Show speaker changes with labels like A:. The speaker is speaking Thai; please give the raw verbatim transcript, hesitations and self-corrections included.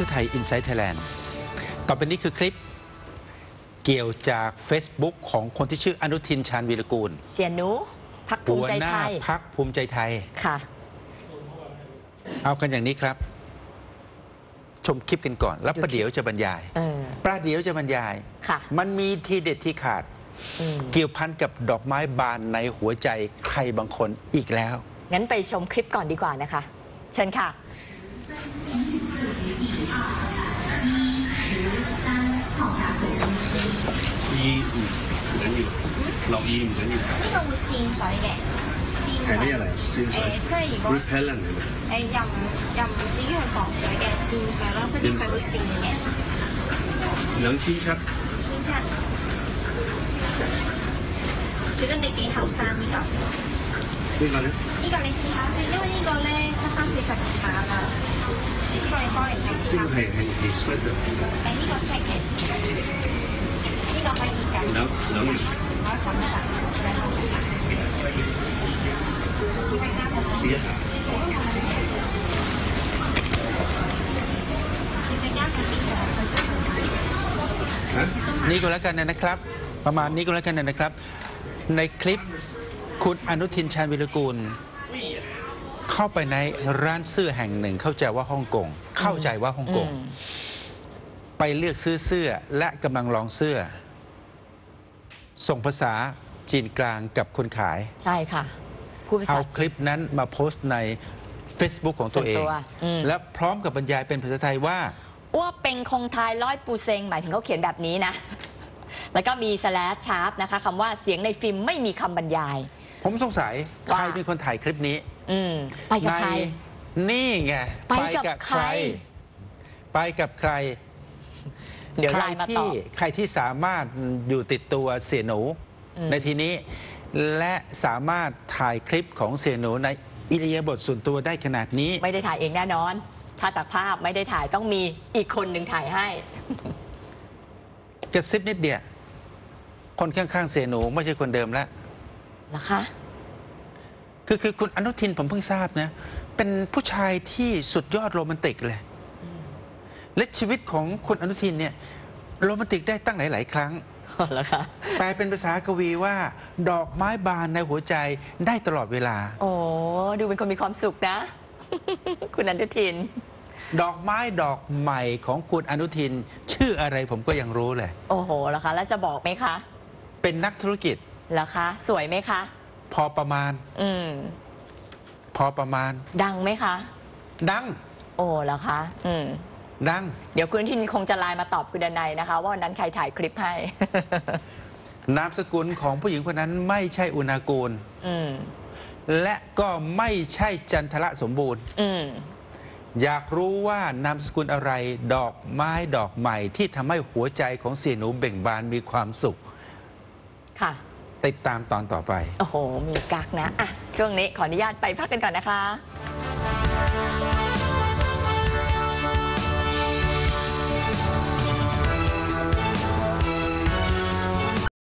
A: ทูไทยอินไซต์ไทยแลนด์ต่อไปนี้คือคลิปเกี่ยวจาก Facebook ของคนที่ชื่ออนุทินชาญวีรกูล
B: เสียหนูพรรคภูมิใจไทย
A: หัวหน้าพรรคภูมิใจไทย
B: ค่ะ
A: เอากันอย่างนี้ครับชมคลิปกันก่อนแล้วประเดี๋ยวจะบรรยายประเดี๋ยวจะบรรยายมันมีทีเด็ดที่ขาดเกี่ยวพันกับดอกไม้บานในหัวใจใครบางคนอีกแล้ว
B: งั้นไปชมคลิปก่อนดีกว่านะคะเชิญค่ะ
C: 醫唔緊要，落醫唔緊要。
D: 呢個會線水嘅，線水。
C: 係咩嚟？線水。誒，
D: 即係如果
C: repellent 係咪？
D: 誒，又唔又唔至於係防水嘅線水咯，所以啲水會線嘅。
C: 兩千七。二千七。
D: 覺得你幾後生呢個？
C: 呢個咧？
D: 呢個你試下先，因為呢個咧得翻四十二碼啦。呢個你幫嚟睇下。
C: 呢個係係係 sweat 嘅。
D: 誒，呢個 check 嘅。呢個可以㗎。兩兩年。可以咁㗎，兩個鐘。
C: 試一下。
A: นี่ก็แล้วกันนะครับประมาณนี้ก็แล้วกันนะครับในคลิปคุณอนุทินชาญวีรกูลเข้าไปในร้านเสื้อแห่งหนึ่งเข้าใจว่าฮ่องกงเข้าใจว่าฮ่องกงไปเลือกซื้อเสื้อและกำลังลองเสื้อส่งภาษาจีนกลางกับคนขาย
B: ใช่ค่ะ
A: เอาคลิปนั้นมาโพสต์ใน Facebook ของตัวเองและพร้อมกับบรรยายเป็นภาษาไทยว่า
B: อ้วเป็นคงทายร้อยปูเซงหมายถึงเขาเขียนแบบนี้นะแล้วก็มีสแลชชาร์ปนะคะคำว่าเสียงในฟิล์มไม่มีคำบรรยาย
A: ผมสงสัยใครเป็นคนถ่ายคลิปนี้
B: ไปกับใคร
A: นี่ไง
B: ไปกับใคร
A: ไปกับใคร
B: เดี๋ยวไลน์มาตอบ
A: ใครที่สามารถอยู่ติดตัวเสี่ยหนูในทีนี้และสามารถถ่ายคลิปของเสี่ยหนูในอิริยาบถส่วนตัวได้ขนาดนี้
B: ไม่ได้ถ่ายเองแน่นอนถ้าจากภาพไม่ได้ถ่ายต้องมีอีกคนหนึ่งถ่ายให้
A: กระซิบนิดเดียวคนข้างๆเสี่ยหนูไม่ใช่คนเดิมแล้ว
B: เหรอคะ
A: คือคือคุณอนุทินผมเพิ่งทราบนะเป็นผู้ชายที่สุดยอดโรแมนติกเลยและชีวิตของคุณอนุทินเนี่ยโรแมนติกได้ตั้งหลายๆครั้ง
B: เหรอคะ
A: แปลเป็นภาษากวีว่าดอกไม้บานในหัวใจได้ตลอดเวลา
B: โอ้ดูเป็นคนมีความสุขนะคุณอนุทิน
A: ดอกไม้ดอกใหม่ของคุณอนุทินชื่ออะไรผมก็ยังรู้เลย
B: โอ้โหเหรอคะแล้วจะบอกไหมคะ
A: เป็นนักธุรกิจ
B: เหรอคะสวยไหมคะ
A: พอประมาณ
B: อืม
A: พอประมาณ
B: ดังไหมคะ
A: ดัง
B: โอ้เหรอคะอืม
A: ดัง
B: เดี๋ยวคุณอนุทินคงจะไลน์มาตอบคุณดนัยนะคะว่าวันนั้นใครถ่ายคลิปให้
A: นามสกุลของผู้หญิงคนนั้นไม่ใช่อุณากูลและก็ไม่ใช่จันทระสมบูรณ์อยากรู้ว่านามสกุลอะไรดอกไม้ดอกใหม่ที่ทำให้หัวใจของเสี่ยหนูเบ่งบานมีความสุข
B: ค่ะ
A: ติดตามตอนต่อไป
B: โอ้โหมีกักนะอ่ะช่วงนี้ขออนุญาตไปพักกันก่อนนะคะ